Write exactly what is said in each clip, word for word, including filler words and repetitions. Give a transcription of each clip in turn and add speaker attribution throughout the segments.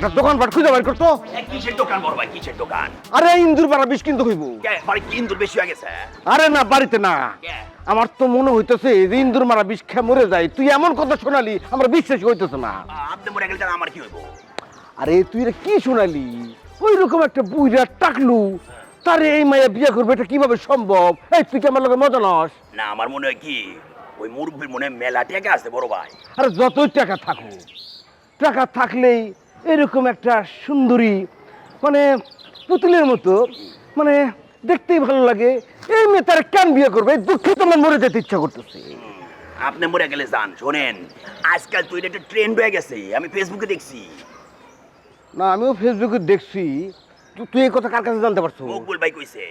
Speaker 1: একটা দোকানপাট খুঁজে বের করতো।
Speaker 2: কিসের দোকান বড় ভাই, কিসের দোকান?
Speaker 1: আরে ইন্দুর পাড়া বিষ কিনতে হইব।
Speaker 2: বাড়ি কি ইন্দুর বেশি হয়ে গেছে?
Speaker 1: আরে না, বাড়িতে না, আমার তো মনে হইতেছে যে ইন্দুর মারা বিষ খেয়ে মরে যায়। তুই এমন কথা শোনালি আমার বিশ্বাস হইতেছে না।
Speaker 2: আপনি মরে গেলে তাহলে আমার কি হইব?
Speaker 1: আরে তুই রে কি শোনালি? ওই রকম একটা বুইরা টাকলু তারে এই মায়া বিয়ে করবে, এটা কিভাবে সম্ভব? এই তুই কি আমার লগে মজা নস?
Speaker 2: না, আমার মনে হয় কি ওই মুরব্বীর মনে হয় মেলা টাকা আছে বড় ভাই।
Speaker 1: আরে যতই টাকা থাকুক, টাকা থাকলেই এরকম একটা সুন্দরী মানে পুতুলের মতো মানে দেখতেই ভালো লাগে, এই মেয়ে তার কেন বিয়ে করবে? দুঃখে তোমার মরে যেতে ইচ্ছা করতেছে।
Speaker 2: আপনি মরে গেলে যান। শোনেন, আজকাল তুই একটা ট্রেন্ড হয়ে গেছে, আমি ফেসবুকে দেখছি।
Speaker 1: না, আমিও ফেসবুকে দেখছি। তু- তুই এই কথা কার কাছে জানতে পারছো?
Speaker 2: মকবুল ভাই কইছে।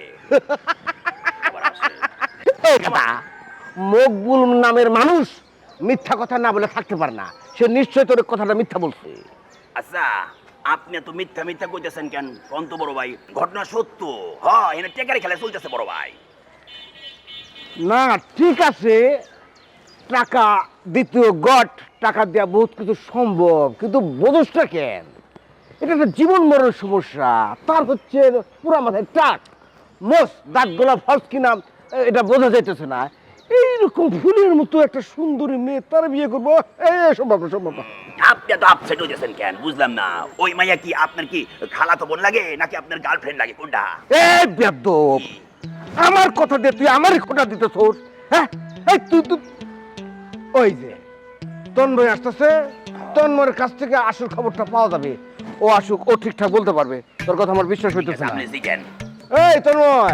Speaker 1: এই কথা, মকবুল নামের মানুষ মিথ্যা কথা না বলে থাকতে পারে না। সে নিশ্চয় তোর কথাটা মিথ্যা বলছে।
Speaker 2: আচ্ছা, আপনি তো মিথ্যা মিথ্যা কইতেছেন কেন? কোন তো বড় ভাই, ঘটনা সত্য। হ্যাঁ, এনে টেকারি খেলা চলতেছে বড় ভাই।
Speaker 1: না ঠিক আছে, টাকা দ্বিতীয় গট, টাকা দেওয়া বহুত কিছু সম্ভব, কিন্তু বোঝসটা কেন? এটা একটা জীবন মরণ সমস্যা। তার হচ্ছে পুরা মাথায় টাক, মোস দাঁত গোলা ফলস কিনা এটা বোঝা যাইতেছে না। এইরকম ফুলের মতো একটা সুন্দরী মেয়ে তার বিয়ে করবো, এই সম্ভব না, সম্ভব না।
Speaker 2: আপনি তো আপসেট হইতেছেন কেন বুঝলাম না। ওই মাইয়া কি আপনার কি খালাতো বোন লাগে নাকি আপনার গার্লফ্রেন্ড লাগে, কোনটা?
Speaker 1: এই বেয়াদব, আমার কথা দিয়ে তুই আমারই খোটা দিতে তোর। হ্যাঁ, এই তুই তুই ওই যে তন্ময় আসতেছে, তন্ময়ের কাছ থেকে আসল খবরটা পাওয়া যাবে। ও আসুক, ও ঠিকঠাক বলতে পারবে। তোর কথা আমার বিশ্বাস হইতেছে না।
Speaker 2: আপনি জিজ্ঞেন।
Speaker 1: এই তন্ময়,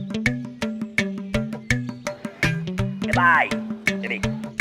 Speaker 2: এ ভাই, এদিক।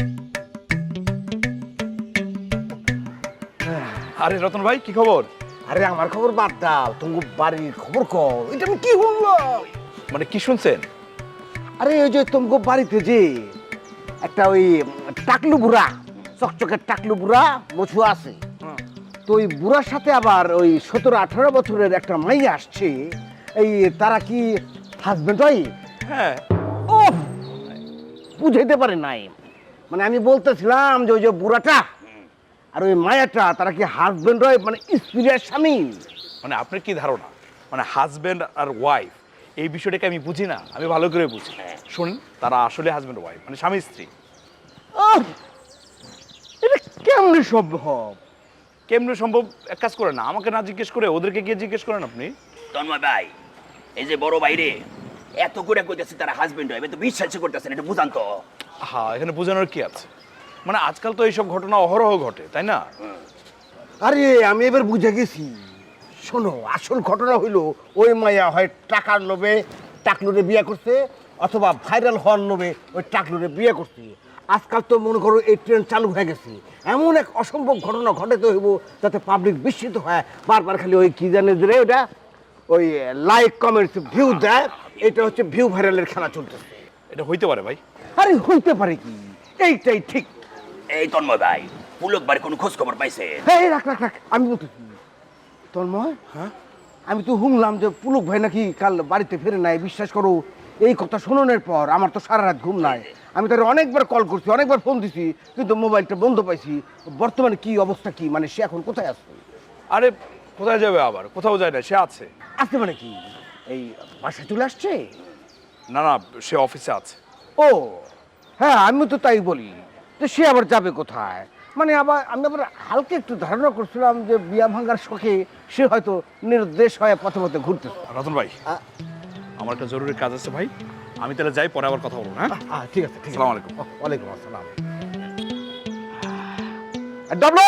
Speaker 3: আরে রতন ভাই, কি খবর?
Speaker 1: আরে আমার খবর বাদ দাও, তুমি বাড়ির খবর কও। এটা আমি কি শুনলাম?
Speaker 3: মানে কি শুনছেন?
Speaker 1: আরে ওই যে তোমাকে বাড়িতে যে একটা ওই টাকলু বুড়া, চকচকের টাকলু বুড়া মছু আছে, তো ওই বুড়ার সাথে আবার ওই সতেরো আঠারো বছরের একটা মাইয়া আসছে। এই তারা কি হাজবেন্ড হয়?
Speaker 3: হ্যাঁ।
Speaker 1: ও বুঝাইতে পারে নাই। মানে আমি বলতেছিলাম যে ওই যে বুড়াটা আর ওই মায়াটা তারা কি হাজবেন্ড হয়, মানে স্ত্রীর স্বামী?
Speaker 3: মানে আপনার কি ধারণা মানে হাজবেন্ড আর ওয়াইফ এই বিষয়টাকে আমি বুঝি না? আমি ভালো করে বুঝি। শুনুন, তারা আসলে হাজবেন্ড ওয়াইফ, মানে স্বামী স্ত্রী।
Speaker 1: আহ, এটা কেমনে সম্ভব?
Speaker 3: কেমনে সম্ভব? এক কাজ করেন না, আমাকে না জিজ্ঞেস করে ওদেরকে গিয়ে জিজ্ঞেস করেন আপনি।
Speaker 2: তন্ময় ভাই, এই যে বড় ভাই রে এত করে কইতেছে তারা হাজবেন্ড হয়, তো বিশ্বাসই করতেছেন, এটা বুঝান তো।
Speaker 3: হ্যাঁ, এখানে বোঝানোর কি আছে? মানে আজকাল তো এইসব ঘটনা অহরহ ঘটে, তাই না?
Speaker 1: আরে আমি এবার বুঝে গেছি। শোনো, আসল ঘটনা হইলো ওই মায়া হয় টাকার লোভে টাকলুরে বিয়ে করছে, অথবা ভাইরাল হওয়ার লোভে ওই টাকলুরে বিয়ে করছে। আজকাল তো মনে করো এই ট্রেন্ড চালু হয়ে গেছে। এমন এক অসম্ভব ঘটনা ঘটাতে হইব যাতে পাবলিক বিস্মিত হয়, বারবার খালি ওই কি জানে যে ওটা ওই লাইক কমেন্টস ভিউ দেয়। এটা হচ্ছে ভিউ ভাইরালের খেলা চলতেছে।
Speaker 3: এটা হইতে পারে ভাই।
Speaker 1: আরে হইতে পারে কি, এইটাই ঠিক।
Speaker 2: এই তন্ময় ভাই, পুলক বাড়ি কোনো খোঁজ খবর পাইছে?
Speaker 1: এই রাখ রাখ রাখ, আমি বলতেছি তন্ময়,
Speaker 3: হ্যাঁ,
Speaker 1: আমি তো শুনলাম যে পুলক ভাই নাকি কাল বাড়িতে ফিরে নাই। বিশ্বাস করো, এই কথা শোনানোর পর আমার তো সারা রাত ঘুম নাই। আমি তার অনেকবার কল করছি, অনেকবার ফোন দিছি, কিন্তু মোবাইলটা বন্ধ পাইছি। বর্তমানে কি অবস্থা, কি মানে সে এখন কোথায় আছে?
Speaker 3: আরে কোথায় যাবে আবার? কোথাও যায় না, সে আছে।
Speaker 1: আছে মানে কি, এই বাসায় চলে আসছে?
Speaker 3: না না, সে অফিসে আছে।
Speaker 1: ও হ্যাঁ, আমি তো তাই বলি যে সে আবার যাবে কোথায়। মানে আবার আমি আবার হালকা একটু ধারণা করছিলাম যে বিয়া ভাঙার শখে সে হয়তো নির্দেশ হয়ে পথে পথে ঘুরতেছে।
Speaker 3: রতন ভাই, আমার একটা জরুরি কাজ আছে ভাই, আমি তাহলে যাই, পরে আবার কথা বলবো। হ্যাঁ,
Speaker 1: আহ, ঠিক আছে, ঠিক আছে।
Speaker 3: আসসালামু আলাইকুম।
Speaker 1: ওয়ালাইকুম আসসালাম। ডবলো,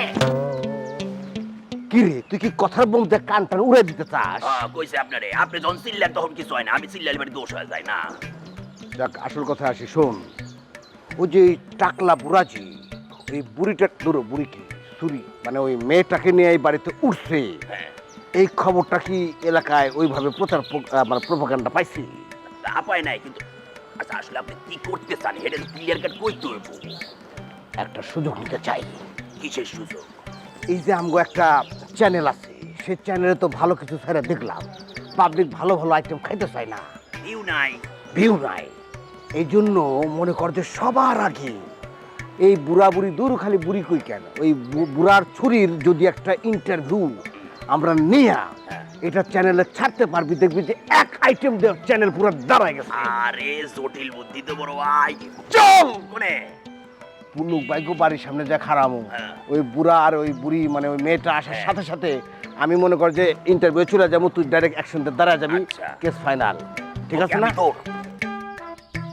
Speaker 1: কি রে তুই কি কথার বলতে কান টান উড়ে দিতে চাস?
Speaker 2: হ্যাঁ, কইছে আপনারে। আপনি যখন চিল্লেন তখন কিছু হয় না, আমি চিল্লালে বাড়ি দোষ হয়ে যায় না।
Speaker 1: দেখ, আসল কথা আসি শোন। ওই যে টাকলা বুড়াজি, ওই বুড়িটা ধরো, বুড়ি কি চুরি মানে ওই মেয়েটাকে নিয়ে এই বাড়িতে উঠছে,
Speaker 2: হ্যাঁ,
Speaker 1: এই খবরটা কি এলাকায় ওইভাবে প্রচার প- আহ, মানে প্রোপাগান্ডা পাইছি?
Speaker 2: তা পায় নাই কিন্তু। আচ্ছা, আসলে আপনি কি করতে চান এটা ক্লিয়ার কাট কইতে হইব।
Speaker 1: একটা সুযোগ নিতে চাই।
Speaker 2: কিসের সুযোগ?
Speaker 1: এই যে আমগো একটা চ্যানেল আছে, সেই চ্যানেলে তো ভালো কিছু ছেড়ে দেখলাম, পাবলিক ভালো ভালো আইটেম খাইতে চায় না,
Speaker 2: ভিউ নাই।
Speaker 1: ভিউ নাই। এই জন্য মনে কর যে সবার আগে এই বুড়া বুড়ি দূর খালি বুড়ি কই কেন ওই বু- বুড়ার ছুরির যদি একটা ইন্টারভিউ আমরা নিয়া এটা চ্যানেলে ছাড়তে পারবি দেখবি যে এক আইটেম চ্যানেল পুরো দাঁড়ায় গেছে।
Speaker 2: আরে জটিল বুদ্ধি তো বড় ভাই।
Speaker 1: চল
Speaker 2: কোনে
Speaker 1: পুলুক বাইক বাড়ির সামনে যা খারামু
Speaker 2: হ্যাঁ।
Speaker 1: ওই বুড়া আর ওই বুড়ি মানে ওই মেয়েটা আসার
Speaker 2: হ্যাঁ।
Speaker 1: সাথে সাথে আমি মনে কর যে ইন্টারভিউ চলে যাবো, তুই ডাইরেক্ট অ্যাকশন দাঁড়া যাবি,
Speaker 2: আচ্ছা।
Speaker 1: Case final. ঠিক আছে
Speaker 2: ওকে,
Speaker 1: না?
Speaker 2: আমি তোর